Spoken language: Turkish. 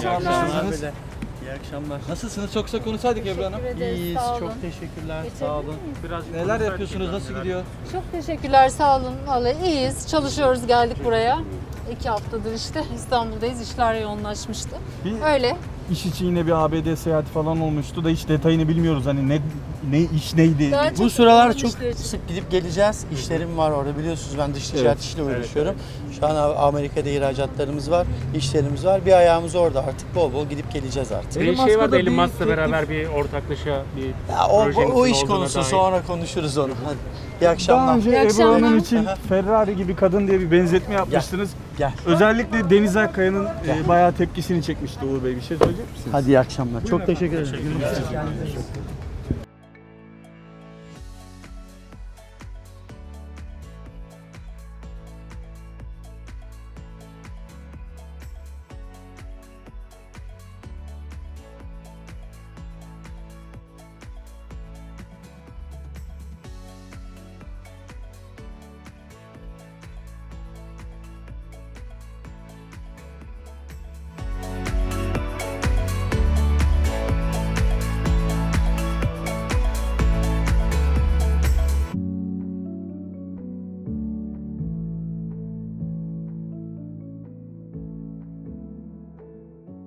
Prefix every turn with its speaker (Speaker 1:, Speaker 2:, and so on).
Speaker 1: Nasılsınız?
Speaker 2: İyi akşamlar.
Speaker 1: Nasılsınız? Çok kısa konuşsaydık Ebru Hanım.
Speaker 3: Teşekkür ederiz,
Speaker 2: İyiyiz,
Speaker 3: sağ olun.
Speaker 2: çok teşekkürler.
Speaker 3: Geçebilir
Speaker 2: Sağ olun.
Speaker 3: miyiz?
Speaker 4: Biraz
Speaker 1: Neler yapıyorsunuz? Nasıl gidiyor?
Speaker 3: Çok teşekkürler, sağ olun. Vallahi iyiyiz, çalışıyoruz, geldik buraya. 2 haftadır işte İstanbul'dayız, işler yoğunlaşmıştı. Öyle.
Speaker 4: İş için yine bir ABD seyahati falan olmuştu da hiç detayını bilmiyoruz. Hani ne iş neydi?
Speaker 3: Daha
Speaker 2: Bu sıralar
Speaker 3: yoğun
Speaker 2: çok
Speaker 3: işler için.
Speaker 2: sık gidip geleceğiz. İşlerim var orada, biliyorsunuz ben dış ticaret işiyle uğraşıyorum. Şu an Amerika'da ihracatlarımız var, işlerimiz var. Bir ayağımız orada, artık bol bol gidip geleceğiz artık.
Speaker 4: Elon
Speaker 5: Bir şey
Speaker 4: Musk'la
Speaker 5: vardı
Speaker 4: da
Speaker 5: Elon
Speaker 4: bir
Speaker 5: Musk'la
Speaker 4: teklif-
Speaker 5: beraber bir ortaklaşa bir
Speaker 2: Ya
Speaker 5: projenizin
Speaker 2: o iş
Speaker 5: olduğuna
Speaker 2: konusu,
Speaker 5: dair.
Speaker 2: sonra konuşuruz onu. Hadi. İyi
Speaker 4: Daha
Speaker 2: akşamlar.
Speaker 4: önce
Speaker 3: İyi
Speaker 4: Ebru
Speaker 3: akşamlar.
Speaker 4: Hanım için
Speaker 2: Aha.
Speaker 4: Ferrari gibi kadın diye bir benzetme yapmıştınız.
Speaker 2: Gel.
Speaker 4: Özellikle Deniz Akkaya'nın bayağı tepkisini çekmişti Uğur Bey. Bir şey söyleyecek misiniz?
Speaker 2: Hadi iyi akşamlar. Çok teşekkür ederim.